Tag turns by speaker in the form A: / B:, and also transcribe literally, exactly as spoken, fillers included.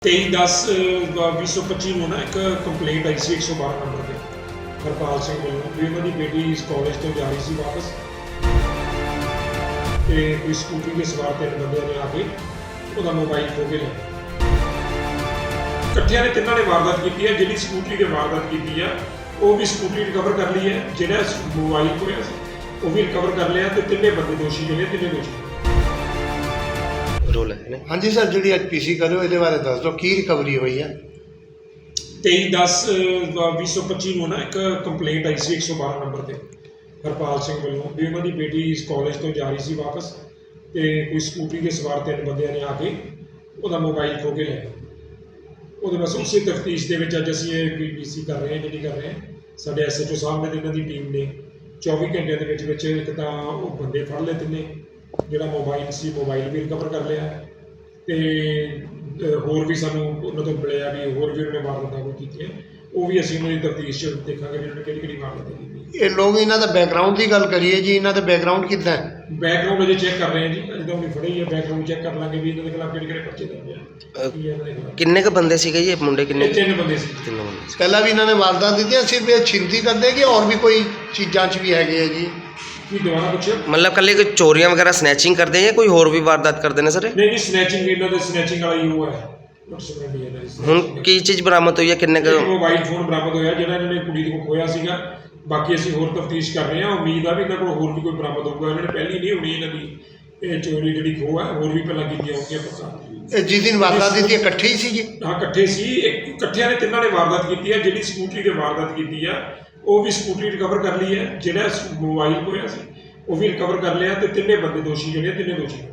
A: तेई दस भी सौ पच्ची ਨੂੰ ਨਾ ਇੱਕ ਕੰਪਲੇਂਟ ਆਈ ਸੀ एक सौ बारह ਨੰਬਰ ਤੇ ਹਰਪਾਲ ਸਿੰਘ ਵੱਲੋਂ ਵੀ ਉਹਨਾਂ ਦੀ ਬੇਟੀ ਇਸ ਕਾਲਜ ਤੋਂ ਜਾ ਰਹੀ ਸੀ ਵਾਪਸ ਤੇ ਕੋਈ ਸਕੂਟਰੀ ਦੇ ਸਵਾਰ ਤਿੰਨ ਬੰਦਿਆਂ ਨੇ ਆ ਕੇ ਉਹਦਾ ਮੋਬਾਈਲ ਖੋਹ ਕੇ ਲਿਆ। ਇਕੱਠਿਆਂ ਨੇ ਤਿੰਨਾਂ ਨੇ ਵਾਰਦਾਤ ਕੀਤੀ ਹੈ। ਜਿਹੜੀ ਸਕੂਟਰੀ ਤੇ ਵਾਰਦਾਤ ਕੀਤੀ ਆ ਉਹ ਵੀ ਸਕੂਟਰੀ ਰਿਕਵਰ ਕਰ ਲਈ ਹੈ, ਜਿਹੜਾ ਮੋਬਾਈਲ ਖੋਇਆ ਸੀ ਉਹ ਵੀ ਰਿਕਵਰ ਕਰ ਲਿਆ ਤੇ ਤਿੰਨੇ ਬੰਦੇ ਦੋਸ਼ੀ ਜਿਹੜੇ ਤਿੰਨੇ ਦੋਸ਼ੀ
B: रोल है।
C: हाँ जी सर, जी अज पीसी करो ये बारे दस दो की रिकवरी हुई है।
A: तेई दस भी सौ पच्ची ਨੂੰ ਨਾ ਇੱਕ ਕੰਪਲੇਂਟ ਆਈ ਸੀ एक सौ बारह ਨੰਬਰ ਤੇ ਹਰਪਾਲ ਸਿੰਘ ਵੱਲੋਂ ਵੀ ਉਹਨਾਂ ਦੀ ਬੇਟੀ ਇਸ ਕਾਲਜ ਤੋਂ ਜਾ ਰਹੀ ਸੀ ਵਾਪਸ ਤੇ ਕੋਈ ਸਕੂਟਰੀ ਦੇ ਸਵਾਰ ਤਿੰਨ ਬੰਦਿਆਂ ਨੇ ਆ ਕੇ ਉਹਦਾ ਮੋਬਾਈਲ ਖੋਹ ਕੇ ਲਿਆ। ਉਹਦੇ ਬਸ ਉਸੇ ਤਫਤੀਸ਼ ਦੇ ਵਿੱਚ ਅੱਜ ਅਸੀਂ ਇਹ ਪੀਸੀ ਕਰ ਰਹੇ ਹਾਂ ਜਿਹੜੀ ਕਰ ਰਹੇ ਹਾਂ। ਸਾਡੇ ਐਸਐਚਓ ਸਾਹਿਬ ਨੇ ਤੇ ਇਹਨਾਂ ਦੀ ਟੀਮ ਨੇ ਚੌਵੀ ਘੰਟਿਆਂ ਦੇ ਵਿੱਚ ਵਿੱਚ ਇੱਕ ਤਾਂ ਉਹ ਬੰਦੇ ਫੜ ਲਏ ਤਿੰਨੇ, ਜਿਹੜਾ ਮੋਬਾਈਲ ਸੀ ਮੋਬਾਈਲ ਵੀ ਰਿਕਵਰ ਕਰ ਲਿਆ ਤੇ ਹੋਰ ਵੀ ਸਾਨੂੰ ਉਹਨਾਂ ਤੋਂ ਮਿਲਿਆ ਵੀ ਹੋਰ ਵੀ ਉਹਨਾਂ ਨੇ ਵਾਰਦਾਤਾਂ ਕੋਈ ਕੀਤੀਆਂ, ਉਹ ਵੀ ਅਸੀਂ ਉਹਨਾਂ ਦੀ ਤਫਤੀਸ਼ 'ਚ ਦੇਖਾਂਗੇ ਵੀ ਉਹਨਾਂ ਨੇ ਕਿਹੜੀ ਕਿਹੜੀ ਵਾਰਦਾਤਾਂ ਕੀਤੀ।
C: ਇਹ ਲੋਕ ਇਹਨਾਂ ਦਾ ਬੈਕਗਰਾਉਂਡ ਦੀ ਗੱਲ ਕਰੀਏ ਜੀ, ਇਹਨਾਂ ਦਾ ਬੈਕਗਰਾਉਂਡ ਕਿੱਦਾਂ ਹੈ?
A: ਬੈਕਗਰਾਉਂਡ ਅਜੇ ਚੈੱਕ ਕਰ ਰਹੇ ਹਾਂ ਜੀ, ਅਜੇ ਤਾਂ ਉਹਨੇ ਫੜੀ ਹੈ। ਬੈਕਗਰਾਉਂਡ ਚੈੱਕ ਕਰ ਲਾਂਗੇ ਵੀ ਇਹਨਾਂ ਦੇ ਖਿਲਾਫ ਕਿਹੜੇ ਕਿਹੜੇ ਪਰਚੇ ਦਰਜ ਆ।
B: ਕਿੰਨੇ ਕ ਬੰਦੇ ਸੀਗੇ ਜੀ ਮੁੰਡੇ? ਕਿੰਨੇ?
A: ਤਿੰਨ ਬੰਦੇ ਸੀ।
B: ਤਿੰਨ ਬੰਦੇ।
C: ਪਹਿਲਾਂ ਵੀ ਇਹਨਾਂ ਨੇ ਵਾਰਦਾਤ ਦਿੱਤੀਆਂ, ਸਿਰਫ ਇਹ ਛਿੰਤੀ ਕਰਦੇ ਕਿ ਹੋਰ ਵੀ ਕੋਈ ਚੀਜ਼ਾਂ 'ਚ ਵੀ ਹੈਗੇ ਆ ਜੀ?
A: ਕੀ ਦੁਬਾਰਾ ਪੁੱਛੋ?
B: मतलब कल कोई चोरियां वगैरह स्नैचिंग करते हैं या कोई और भी वारदात करते हैं सर?
A: नहीं नहीं, स्नैचिंग ਇਹਨਾਂ ਦੇ स्नैचिंग वाला ही वो है।
B: ਹੁਣ ਕੀ ਚੀਜ਼ ਬਰਾਮਦ ਹੋਈ ਹੈ? ਕਿੰਨੇ ਕ
A: ਮੋਬਾਈਲ ਫੋਨ ਬਰਾਮਦ ਹੋਇਆ ਜਿਹੜਾ ਇਹਨਾਂ ਨੇ ਕੁੜੀ ਦੇ ਕੋਲ ਖੋਇਆ ਸੀਗਾ। ਬਾਕੀ ਅਸੀਂ ਹੋਰ ਤਫਤੀਸ਼ ਕਰ ਰਹੇ ਹਾਂ। ਉਮੀਦ ਆ ਵੀ ਇਹਨਾਂ ਕੋਲ ਹੋਰ ਵੀ ਕੋਈ ਬਰਾਮਦ ਹੋਊਗਾ। ਇਹਨਾਂ ਨੇ ਪਹਿਲੀ ਨਹੀਂ ਹੋਣੀ ਇਹਨਾਂ ਦੀ ਇਹ ਚੋਰੀ ਜਿਹੜੀ ਖੋਹ ਹੈ, ਹੋਰ ਵੀ ਪਹਿਲਾਂ ਕੀਤੀਆਂ ਹੋਣਗੀਆਂ ਪਤਾ।
C: ਇਹ ਜਿਸ ਦਿਨ ਵਾਰਦਾਤ ਦਿੱਤੀ ਇਕੱਠੇ ਹੀ ਸੀ ਜੀ?
A: ਹਾਂ ਇਕੱਠੇ ਸੀ। ਇੱਕ ਇਕੱਠਿਆਂ ਨੇ ਤਿੰਨਾਂ ਨੇ ਵਾਰਦਾਤ ਕੀਤੀ ਹੈ। ਜਿਹੜੀ ਸਕੂਟਰੀ ਤੇ ਵਾਰਦਾਤ ਕੀਤੀ ਆ ਉਹ ਵੀ ਸਕੂਟਰੀ ਰਿਕਵਰ ਕਰ ਲਈ ਹੈ, ਜਿਹੜਾ ਮੋਬਾਈਲ ਖੋਇਆ ਸੀ ਉਹ ਵੀ ਰਿਕਵਰ ਕਰ ਲਿਆ ਤੇ ਤਿੰਨੇ ਬੰਦੇ ਦੋਸ਼ੀ ਜਿਹੜੇ ਤਿੰਨੇ ਦੋਸ਼ੀ